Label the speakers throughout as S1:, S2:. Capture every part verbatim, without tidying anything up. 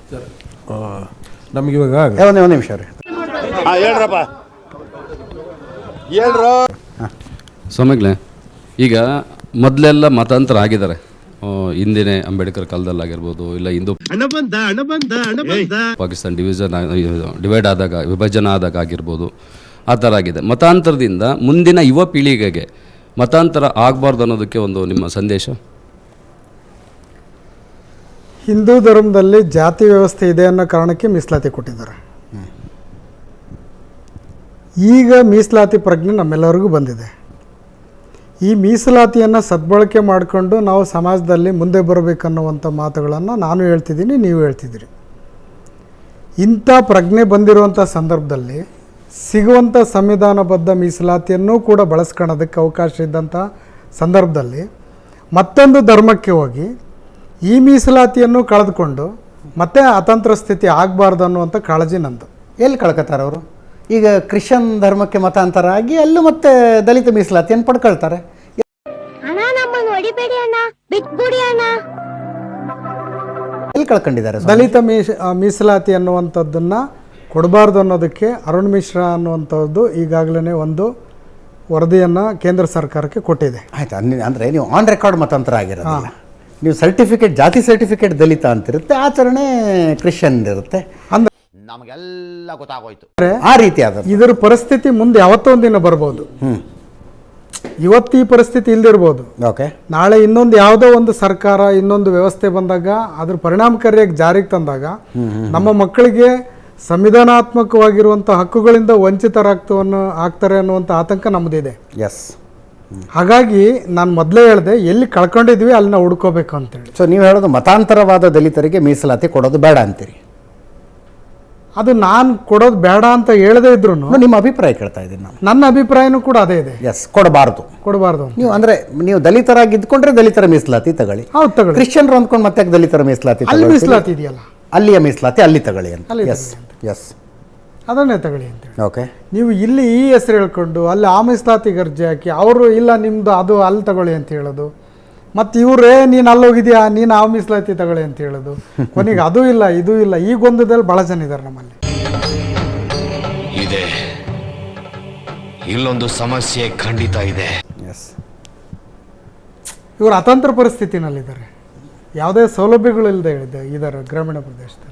S1: ನಮ್ಗೆ ಇವಾಗ
S2: ಒಂದೇ ಒಂದು ನಿಮಿಷ ರೀ ಹೇಳ್ರಪ್ಪ ಹೇಳ್ರ
S3: ಸ್ವಾಮಿಗಳೇ, ಈಗ ಮೊದಲೆಲ್ಲ ಮತಾಂತರ ಆಗಿದ್ದಾರೆ. ಹಿಂದಿನ ಅಂಬೇಡ್ಕರ್ ಕಾಲದಲ್ಲಾಗಿರ್ಬೋದು, ಇಲ್ಲ ಹಿಂದೂ ಪಾಕಿಸ್ತಾನ ಡಿವಿಷನ್ ಡಿವೈಡ್ ಆದಾಗ, ವಿಭಜನೆ ಆದಾಗ ಆಗಿರ್ಬೋದು, ಆ ಥರ ಆಗಿದೆ. ಮತಾಂತರದಿಂದ ಮುಂದಿನ ಯುವ ಪೀಳಿಗೆಗೆ ಮತಾಂತರ ಆಗಬಾರ್ದು ಅನ್ನೋದಕ್ಕೆ ಒಂದು ನಿಮ್ಮ ಸಂದೇಶ.
S4: ಹಿಂದೂ ಧರ್ಮದಲ್ಲಿ ಜಾತಿ ವ್ಯವಸ್ಥೆ ಇದೆ ಅನ್ನೋ ಕಾರಣಕ್ಕೆ ಮೀಸಲಾತಿ ಕೊಟ್ಟಿದ್ದಾರೆ. ಈಗ ಮೀಸಲಾತಿ ಪ್ರಜ್ಞೆ ನಮ್ಮೆಲ್ಲರಿಗೂ ಬಂದಿದೆ. ಈ ಮೀಸಲಾತಿಯನ್ನು ಸದ್ಬಳಕೆ ಮಾಡಿಕೊಂಡು ನಾವು ಸಮಾಜದಲ್ಲಿ ಮುಂದೆ ಬರಬೇಕನ್ನುವಂಥ ಮಾತುಗಳನ್ನು ನಾನು ಹೇಳ್ತಿದ್ದೀನಿ, ನೀವು ಹೇಳ್ತಿದ್ದೀರಿ. ಇಂಥ ಪ್ರಜ್ಞೆ ಬಂದಿರುವಂಥ ಸಂದರ್ಭದಲ್ಲಿ ಸಿಗುವಂಥ ಸಂವಿಧಾನಬದ್ಧ ಮೀಸಲಾತಿಯನ್ನು ಕೂಡ ಬಳಸ್ಕೊಳ್ಳೋದಕ್ಕೆ ಅವಕಾಶ ಇದ್ದಂಥ ಸಂದರ್ಭದಲ್ಲಿ ಮತ್ತೊಂದು ಧರ್ಮಕ್ಕೆ ಹೋಗಿ ಈ ಮೀಸಲಾತಿಯನ್ನು ಕಳೆದುಕೊಂಡು ಮತ್ತೆ ಅತಂತ್ರ ಸ್ಥಿತಿ ಆಗಬಾರ್ದು ಅನ್ನುವಂಥ ಕಾಳಜಿ ನಂದು.
S2: ಎಲ್ಲಿ ಕಳ್ಕೊತಾರೆ ಅವರು? ಈಗ ಕ್ರಿಶ್ಚಿಯನ್ ಧರ್ಮಕ್ಕೆ ಮತಾಂತರ ಆಗಿ ಅಲ್ಲೂ ಮತ್ತೆ ದಲಿತ ಮೀಸಲಾತಿಯನ್ನು ಪಡ್ಕೊಳ್ತಾರೆ. ಎಲ್ಲಿ ಕಳ್ಕೊಂಡಿದ್ದಾರೆ?
S4: ದಲಿತ ಮೀಸ ಮೀಸಲಾತಿ ಅನ್ನುವಂಥದ್ದನ್ನು ಕೊಡಬಾರ್ದು ಅನ್ನೋದಕ್ಕೆ ಅರುಣ್ ಮಿಶ್ರಾ ಅನ್ನುವಂಥದ್ದು ಈಗಾಗಲೇ ಒಂದು ವರದಿಯನ್ನು ಕೇಂದ್ರ ಸರ್ಕಾರಕ್ಕೆ ಕೊಟ್ಟಿದೆ.
S2: ಆಯ್ತು, ಅಂದರೆ ನೀವು ಆನ್ ರೆಕಾರ್ಡ್ ಮತಾಂತರ ಆಗಿರೋದಿಲ್ಲ. ನೀವು ಸರ್ಟಿಫಿಕೇಟ್, ಜಾತಿ ಸರ್ಟಿಫಿಕೇಟ್ ದಲಿತ ಅಂತಿರುತ್ತೆ, ಆಚರಣೆ ಕ್ರಿಶ್ಚಿಯನ್ ಇರುತ್ತೆ. ಅಂದ್ರೆ ನಮಗೆಲ್ಲ ಗೊತ್ತಾಗೋಯ್ತು ಆ ರೀತಿ ಆದ
S4: ಇದರ ಪರಿಸ್ಥಿತಿ ಮುಂದೆ ಯಾವತ್ತೋ ಒಂದಿನ ಬರ್ಬೋದು.
S2: ಹ್ಞೂ
S4: ಇವತ್ತು ಈ ಪರಿಸ್ಥಿತಿ ಇಲ್ದಿರ್ಬೋದು.
S2: ಓಕೆ,
S4: ನಾಳೆ ಇನ್ನೊಂದು ಯಾವುದೋ ಒಂದು ಸರ್ಕಾರ, ಇನ್ನೊಂದು ವ್ಯವಸ್ಥೆ ಬಂದಾಗ ಅದ್ರ ಪರಿಣಾಮಕಾರಿಯಾಗಿ ಜಾರಿಗೆ ತಂದಾಗ ನಮ್ಮ ಮಕ್ಕಳಿಗೆ ಸಂವಿಧಾನಾತ್ಮಕವಾಗಿರುವಂಥ ಹಕ್ಕುಗಳಿಂದ ವಂಚಿತರಾಗ್ತವನ್ನು ಆಗ್ತಾರೆ ಅನ್ನುವಂಥ ಆತಂಕ ನಮ್ಮದಿದೆ.
S2: ಎಸ್,
S4: ಹಾಗಾಗಿ ನಾನು ಮೊದಲೇ ಹೇಳಿದೆ, ಎಲ್ಲಿ ಕಳ್ಕೊಂಡಿದ್ವಿ ಅಲ್ಲಿ ನಾವು ಹುಡ್ಕೋಬೇಕು ಅಂತೇಳಿ.
S2: ಸೊ ನೀವು ಹೇಳೋದು ಮತಾಂತರವಾದ ದಲಿತರಿಗೆ ಮೀಸಲಾತಿ ಕೊಡೋದು ಬೇಡ ಅಂತೀರಿ?
S4: ಅದು ನಾನು ಕೊಡೋದು ಬೇಡ ಅಂತ ಹೇಳದೇ ಇದ್ರು
S2: ನಿಮ್ಮ ಅಭಿಪ್ರಾಯ ಕೇಳ್ತಾ ಇದ್ದೀನಿ ನಾನು.
S4: ನನ್ನ ಅಭಿಪ್ರಾಯನೂ ಕೂಡ ಅದೇ ಇದೆ.
S2: ಎಸ್, ಕೊಡಬಾರ್ದು
S4: ಕೊಡಬಾರ್ದು.
S2: ನೀವು ಅಂದರೆ ನೀವು ದಲಿತರಾಗಿ ಇದ್ಕೊಂಡ್ರೆ ದಲಿತರ ಮೀಸಲಾತಿ ತಗೊಳ್ಳಿ.
S4: ಹೌದು, ತಗೊಳ್ಳಿ.
S2: ಕ್ರಿಶ್ಚಿಯನ್ರು ಅಂದ್ಕೊಂಡು ಮತ್ತೆ ದಲಿತರ ಮೀಸಲಾತಿ
S4: ಅಲ್ಲಿ ಮೀಸಲಾತಿ ಇದೆಯಲ್ಲ,
S2: ಅಲ್ಲಿಯ ಮೀಸಲಾತಿ ಅಲ್ಲಿ ತಗೊಳ್ಳಿ ಅಂತ.
S4: ಅಲ್ಲಿ
S2: ಎಸ್ ಎಸ್
S4: ಅದನ್ನೇ ತಗೊಳ್ಳಿ ಅಂತೇಳಿ.
S2: ಓಕೆ,
S4: ನೀವು ಇಲ್ಲಿ ಈ ಹೆಸರು ಹೇಳ್ಕೊಂಡು ಅಲ್ಲಿ ಆ ಮೀಸಲಾತಿಗೆ ಅರ್ಜಿ ಹಾಕಿ ಅವರು ಇಲ್ಲ ನಿಮ್ಮದು ಅದು ಅಲ್ಲಿ ತಗೊಳ್ಳಿ ಅಂತ ಹೇಳೋದು, ಮತ್ತು ಇವರೇ ನೀನು ಅಲ್ಲಿ ಹೋಗಿದ್ಯಾ ನೀನು ಆ ಮೀಸಲಾತಿ ತಗೊಳ್ಳಿ ಅಂತ ಹೇಳೋದು, ಕೊನೆಗೆ ಅದು ಇಲ್ಲ ಇದು ಇಲ್ಲ. ಈ ಗೊಂದದಲ್ಲಿ ಭಾಳ ಜನ ಇದ್ದಾರೆ ನಮ್ಮಲ್ಲಿ.
S5: ಇದೆ, ಇಲ್ಲೊಂದು ಸಮಸ್ಯೆ ಖಂಡಿತ ಇದೆ.
S2: ಎಸ್,
S4: ಇವರು ಅತಂತ್ರ ಪರಿಸ್ಥಿತಿನಲ್ಲಿದ್ದಾರೆ, ಯಾವುದೇ ಸೌಲಭ್ಯಗಳಿಲ್ಲದೆ ಹೇಳಿದೆ ಇದ್ದಾರೆ ಗ್ರಾಮೀಣ ಪ್ರದೇಶದಲ್ಲಿ.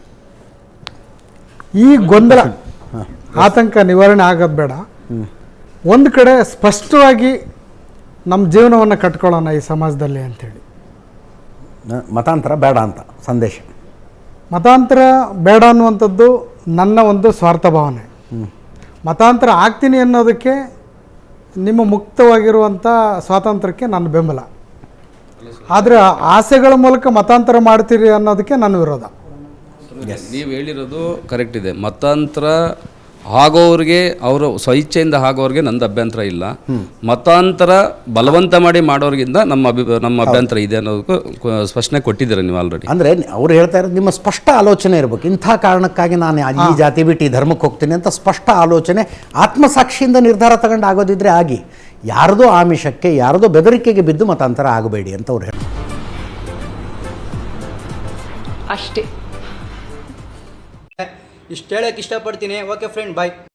S4: ಈ ಗೊಂದಲ, ಆತಂಕ ನಿವಾರಣೆ ಆಗೋದು ಬೇಡ. ಒಂದು ಕಡೆ ಸ್ಪಷ್ಟವಾಗಿ ನಮ್ಮ ಜೀವನವನ್ನು ಕಟ್ಕೊಳ್ಳೋಣ ಈ ಸಮಾಜದಲ್ಲಿ ಅಂಥೇಳಿ.
S2: ಮತಾಂತರ ಬೇಡ ಅಂತ ಸಂದೇಶ.
S4: ಮತಾಂತರ ಬೇಡ ಅನ್ನುವಂಥದ್ದು ನನ್ನ ಒಂದು ಸ್ವಾರ್ಥ ಭಾವನೆ. ಮತಾಂತರ ಆಗ್ತೀನಿ ಅನ್ನೋದಕ್ಕೆ ನಿಮ್ಮ ಮುಕ್ತವಾಗಿರುವಂಥ ಸ್ವಾತಂತ್ರ್ಯಕ್ಕೆ ನನ್ನ ಬೆಂಬಲ. ಆದರೆ ಆಸೆಗಳ ಮೂಲಕ ಮತಾಂತರ ಮಾಡ್ತೀರಿ ಅನ್ನೋದಕ್ಕೆ ನನ್ನ ವಿರೋಧ.
S3: ನೀವು ಹೇಳಿರೋದು ಕರೆಕ್ಟ್ ಇದೆ. ಮತಾಂತರ ಆಗೋರಿಗೆ, ಅವರು ಸ್ವಇಚ್ಛೆಯಿಂದ ಆಗೋರಿಗೆ ನಂದು ಅಭ್ಯಂತರ ಇಲ್ಲ. ಮತಾಂತರ ಬಲವಂತ ಮಾಡಿ ಮಾಡೋರಿಗಿಂತ ನಮ್ಮ ಅಭಿ ನಮ್ಮ ಅಭ್ಯಂತರ ಇದೆ ಅನ್ನೋದಕ್ಕೂ ಸ್ಪಷ್ಟನೆ ಕೊಟ್ಟಿದ್ದೀರ ನೀವು ಆಲ್ರೆಡಿ.
S2: ಅಂದರೆ ಅವ್ರು ಹೇಳ್ತಾ ಇರೋದು ನಿಮ್ಮ ಸ್ಪಷ್ಟ ಆಲೋಚನೆ ಇರಬೇಕು. ಇಂಥ ಕಾರಣಕ್ಕಾಗಿ ನಾನು ಈ ಜಾತಿ ಬಿಟ್ಟು ಈ ಧರ್ಮಕ್ಕೆ ಹೋಗ್ತೀನಿ ಅಂತ ಸ್ಪಷ್ಟ ಆಲೋಚನೆ, ಆತ್ಮಸಾಕ್ಷಿಯಿಂದ ನಿರ್ಧಾರ ತಗೊಂಡು ಆಗೋದಿದ್ರೆ ಆಗಿ, ಯಾರದೋ ಆಮಿಷಕ್ಕೆ, ಯಾರದೋ ಬೆದರಿಕೆಗೆ ಬಿದ್ದು ಮತಾಂತರ ಆಗಬೇಡಿ ಅಂತ ಅವ್ರು ಹೇಳಿ
S6: ಅಷ್ಟೇ. ಇಷ್ಟು ಹೇಳಕ್ಕೆ ಇಷ್ಟಪಡ್ತೀನಿ. ಓಕೆ ಫ್ರೆಂಡ್, ಬಾಯ್.